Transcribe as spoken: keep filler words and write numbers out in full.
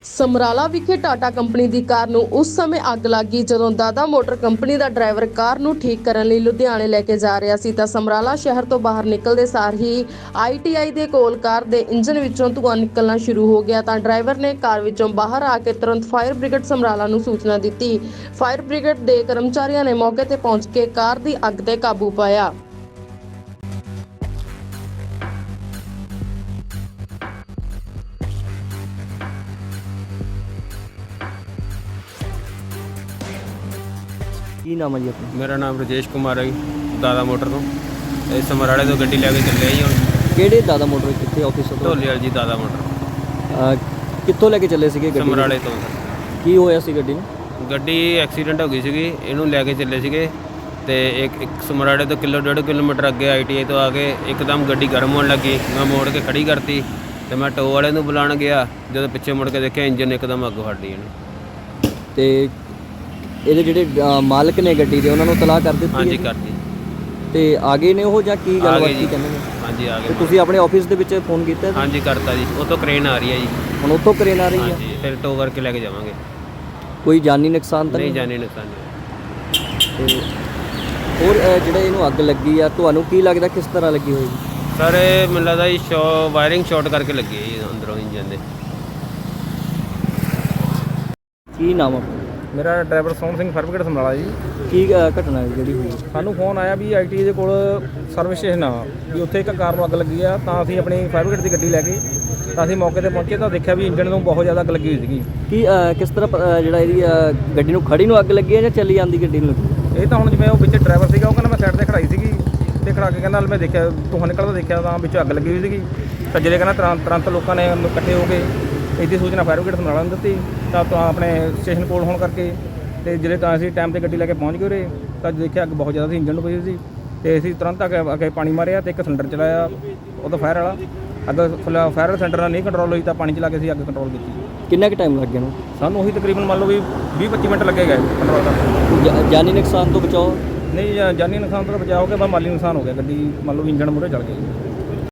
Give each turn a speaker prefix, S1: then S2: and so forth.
S1: ਸਮਰਾਲਾ ਵਿਖੇ ਟਾਟਾ ਕੰਪਨੀ ਦੀ ਕਾਰ ਨੂੰ ਉਸ ਸਮੇਂ ਅੱਗ ਲੱਗੀ ਜਦੋਂ ਦਾਦਾ ਮੋਟਰ ਕੰਪਨੀ ਦਾ ਡਰਾਈਵਰ ਕਾਰ ਨੂੰ ਠੀਕ ਕਰਨ ਲਈ ਲੁਧਿਆਣੇ ਲੈ ਕੇ ਜਾ ਰਿਹਾ ਸੀ ਤਾਂ ਸਮਰਾਲਾ ਸ਼ਹਿਰ ਤੋਂ ਬਾਹਰ ਨਿਕਲਦੇ ਸਾਰ ਹੀ ਆਈ ਟੀ ਆਈ ਦੇ ਕੋਲ ਕਾਰ ਦੇ ਇੰਜਨ ਵਿੱਚੋਂ ਧੂੰਆਂ ਨਿਕਲਣਾ ਸ਼ੁਰੂ ਹੋ ਗਿਆ ਤਾਂ ਡਰਾਈਵਰ ਨੇ ਕਾਰ ਵਿੱਚੋਂ ਬਾਹਰ ਆ ਕੇ ਤੁਰੰਤ ਫਾਇਰ ਬ੍ਰਿਗੇਡ ਸਮਰਾਲਾ ਨੂੰ ਸੂਚਨਾ ਦਿੱਤੀ। ਫਾਇਰ ਬ੍ਰਿਗੇਡ ਦੇ ਕਰਮਚਾਰੀਆਂ ਨੇ ਮੌਕੇ ਤੇ ਪਹੁੰਚ ਕੇ ਕਾਰ ਦੀ ਅੱਗ ਤੇ ਕਾਬੂ ਪਾਇਆ।
S2: ਕੀ ਨਾਮ ਹੈ ਜੀ ਆਪਣਾ?
S3: ਮੇਰਾ ਨਾਮ ਰਜੇਸ਼ ਕੁਮਾਰ ਹੈ ਜੀ, ਦਾਦਾ ਮੋਟਰ ਤੋਂ। ਇਹ ਸਮਰਾਲੇ ਤੋਂ ਗੱਡੀ ਲੈ ਕੇ ਚੱਲੇ ਜੀ ਹੁਣ।
S2: ਕਿਹੜੇ ਦਾਦਾ ਮੋਟਰ, ਕਿੱਥੇ ਆਫਿਸ ਤੋਂ?
S3: ਢੋਲੇ ਵਾਲੀ ਜੀ ਦਾਦਾ ਮੋਟਰ,
S2: ਅਹ ਕਿੱਥੋਂ ਲੈ ਕੇ ਚੱਲੇ ਸੀਗੇ ਗੱਡੀ?
S3: ਸਮਰਾਲੇ ਤੋਂ।
S2: ਕੀ ਹੋਇਆ ਸੀ ਗੱਡੀ ਨੂੰ?
S3: ਗੱਡੀ ਐਕਸੀਡੈਂਟ ਹੋ ਗਈ ਸੀਗੀ, ਇਹਨੂੰ ਲੈ ਕੇ ਚੱਲੇ ਸੀਗੇ ਤੇ ਇੱਕ ਇੱਕ ਸਮਰਾਲੇ ਤੋਂ ਕਿਲੋ ਡੇਢ ਕਿਲੋਮੀਟਰ ਅੱਗੇ ਆਈ ਟੀ ਆਈ ਤੋਂ ਆ ਕੇ ਇੱਕਦਮ ਗੱਡੀ ਗਰਮ ਹੋਣ ਲੱਗੀ। ਮੈਂ ਮੋੜ ਕੇ ਖੜੀ ਕਰਤੀ ਤੇ ਮੈਂ ਟੋ ਵਾਲੇ ਨੂੰ ਬੁਲਾਉਣ ਗਿਆ, ਜਦੋਂ ਪਿੱਛੇ ਮੁੜ ਕੇ ਦੇਖਿਆ ਇੰਜਨ ਇੱਕਦਮ ਅੱਗ ਫੜ ਲਈ ਇਹਨੂੰ।
S2: ਤੇ ਇਹਦੇ ਜਿਹੜੇ ਅਹ ਮਾਲਕ ਨੇ ਗੱਡੀ ਦੇ ਉਹਨਾਂ ਨੂੰ ਤਲਾਹ ਕਰ ਦਿੱਤੀ?
S3: ਹਾਂਜੀ
S2: ਹੈ?
S3: ਕਰਤੀ।
S2: ਤੇ ਆ ਗਏ ਨੇ ਉਹ ਜਾਂ ਕੀ
S3: ਆ
S2: ਗੱਲਬਾਤ
S3: ਗਏ
S2: ਕੀ
S3: ਜੀ।
S2: ਕਹਿੰਦੇ ਨੇ?
S3: ਹਾਂਜੀ ਆ
S2: ਤੇ
S3: ਗਏ।
S2: ਤੁਸੀਂ ਆਪਣੇ ਆਫਿਸ ਦੇ ਵਿੱਚ ਫੋਨ ਕੀਤਾ ਸੀ?
S3: ਹਾਂਜੀ ਕਰਤਾ ਜੀ, ਉਹ ਤੋਂ ਕਰੇਨ ਆ ਰਹੀ ਹੈ ਜੀ।
S2: ਹੁਣ ਉੱਥੋਂ ਕਰੇਨ ਆ ਰਹੀ ਹੈ?
S3: ਹਾਂਜੀ ਫਿਰ ਟੋ ਕਰਕੇ ਲੈ ਕੇ ਜਾਵਾਂਗੇ।
S2: ਕੋਈ ਜਾਨੀ ਨੁਕਸਾਨ ਤਾਂ
S3: ਨਹੀਂ
S2: ਨਹੀਂ?
S3: ਜਾਣੀ ਨੁਕਸਾਨ ਨਹੀਂ।
S2: ਤੇ ਹੋਰ ਅਹ ਜਿਹੜੇ ਇਹਨੂੰ ਅੱਗ ਲੱਗੀ ਆ, ਤੁਹਾਨੂੰ ਕੀ ਲੱਗਦਾ ਕਿਸ ਤਰ੍ਹਾਂ ਲੱਗੀ ਹੋਏਗੀ?
S3: ਸਰ ਇਹ ਮੈਨੂੰ ਲੱਗਦਾ ਜੀ ਸ਼ੋ ਵਾਇਰਿੰਗ ਸ਼ਾਰਟ ਕਰਕੇ ਲੱਗੀ ਹੈ ਜੀ ਅੰਦਰੋਂ ਇੰਜਨ ਦੇ।
S2: ਕੀ ਨਾਮ ਆ?
S4: ਮੇਰਾ driver Sohan Singh fire brigade Samrala ji.
S2: ਕੀ ਅਹ ਘਟਨਾ ਹੈ ਜਿਹੜੀ ਹੋਈ?
S4: ਸਾਨੂੰ ਫੋਨ ਆਇਆ ਵੀ ਆਈ ਟੀ ਆਈ ਦੇ ਕੋਲ ਸਰਵਿਸ ਸਟੇਸ਼ਨ ਆ ਵੀ ਉੱਥੇ ਇੱਕ ਕਾਰ ਨੂੰ ਅੱਗ ਲੱਗੀ ਆ, ਤਾਂ ਅਸੀਂ ਆਪਣੀ ਫਾਇਰ ਬ੍ਰਿਗੇਡ ਦੀ ਗੱਡੀ ਲੈ ਕੇ ਤਾਂ ਅਸੀਂ ਮੌਕੇ ਤੇ ਪਹੁੰਚੇ ਤਾਂ ਦੇਖਿਆ ਵੀ ਇੰਜਨ ਨੂੰ ਬਹੁਤ ਜ਼ਿਆਦਾ ਅੱਗ ਲੱਗੀ ਹੋਈ ਸੀਗੀ।
S2: ਕੀ ਅਹ ਕਿਸ ਤਰ੍ਹਾਂ ਪ- ਅਹ ਜਿਹੜਾ ਇਹਦੀ ਅਹ ਗੱਡੀ ਨੂੰ ਖੜੀ ਨੂੰ ਅੱਗ ਲੱਗੀ ਹੈ ਜਾਂ ਚੱਲੀ ਜਾਂਦੀ ਗੱਡੀ ਨੂੰ ਲੱਗੀ?
S4: ਇਹ ਤਾਂ ਹੁਣ ਜਿਵੇਂ ਉਹ ਵਿੱਚ ਡਰਾਈਵਰ ਸੀਗਾ, ਉਹ ਕਹਿੰਦਾ ਮੈਂ ਸਾਈਡ ਤੇ ਖੜਾਈ ਸੀਗੀ ਤੇ ਖੜਾ ਕੇ ਕਹਿੰਦਾ ਮੈਂ ਦੇਖਿਆ ਧੂੰਆਂ ਨਿਕਲਦਾ ਦੇਖਿਆ ਤਾਂ ਵਿੱਚ ਅੱਗ ਲੱਗੀ ਹੋਈ ਸੀਗੀ। ਤਾਂ ਜਿਹੜੇ ਕਹਿੰਦਾ ਤੁਰੰਤ ਤੁਰੰਤ ਲੋਕਾਂ ਨੇ ਉਹਨੂੰ ਇਕੱਠੇ ਹੋ ਕੇ ਇਹਦੀ ਸੂਚਨਾ ਫਾਇਰ ਬ੍ਰਿਗੇਡ ਸਮਰਾਲਾ ਨੂੰ ਦਿੱਤੀ ਤਾਂ ਤਾਂ ਆਪਣੇ ਸਟੇਸ਼ਨ ਕੋਲ ਹੋਣ ਕਰਕੇ ਤੇ ਜਿਹੜੇ ਤਾਂ ਅਸੀਂ ਟਾਈਮ ਤੇ ਗੱਡੀ ਲੈ ਕੇ ਪਹੁੰਚ ਗਏ ਉਰੇ ਤਾਂ ਦੇਖਿਆ ਅੱਗ ਬਹੁਤ ਜ਼ਿਆਦਾ ਸੀ, ਇੰਜਨ ਨੂੰ ਪਈ ਸੀ ਤੇ ਅਸੀਂ ਤੁਰੰਤ ਅੱਗੇ ਅੱਗੇ ਪਾਣੀ ਮਾਰਿਆ ਤੇ ਇੱਕ ਸਿਲੰਡਰ ਚਲਾਇਆ ਉਹਦਾ ਫਾਇਰ ਵਾਲਾ। ਅੱਗ ਫਾਇਰ ਸਿਲੰਡਰ ਨਾਲ ਨਹੀਂ ਕੰਟਰੋਲ ਹੋਈ ਤਾਂ ਪਾਣੀ ਚਲਾ ਕੇ ਅਸੀਂ ਅੱਗ ਕੰਟਰੋਲ ਕੀਤੀ।
S2: ਕਿੰਨਾ ਕੁ ਟਾਈਮ ਲੱਗ ਗਿਆ ਨੂੰ?
S4: ਸਾਨੂੰ ਉਹੀ ਤਕਰੀਬਨ ਮੰਨ ਲਓ ਵੀ ਵੀਹ ਪੱਚੀ ਮਿੰਟ ਲੱਗੇ ਗਏ ਕੰਟਰੋਲ ਕਰਨ।
S2: ਜਾ- ਜਾਨੀ ਨੁਕਸਾਨ ਤੋਂ ਬਚਾਓ?
S4: ਨਹੀਂ ਜਾ- ਜਾਨੀ ਨੁਕਸਾਨ ਤੋਂ ਤਾਂ ਬਚਾਅ ਹੋ ਗਿਆ, ਬਸ ਮਾਲੀ ਨੁਕਸਾਨ ਹੋ ਗਿਆ। ਗੱਡੀ ਮੰਨ ਲਓ ਇੰਜਣ ਮੂਹਰੇ ਚਲ ਗਿਆ।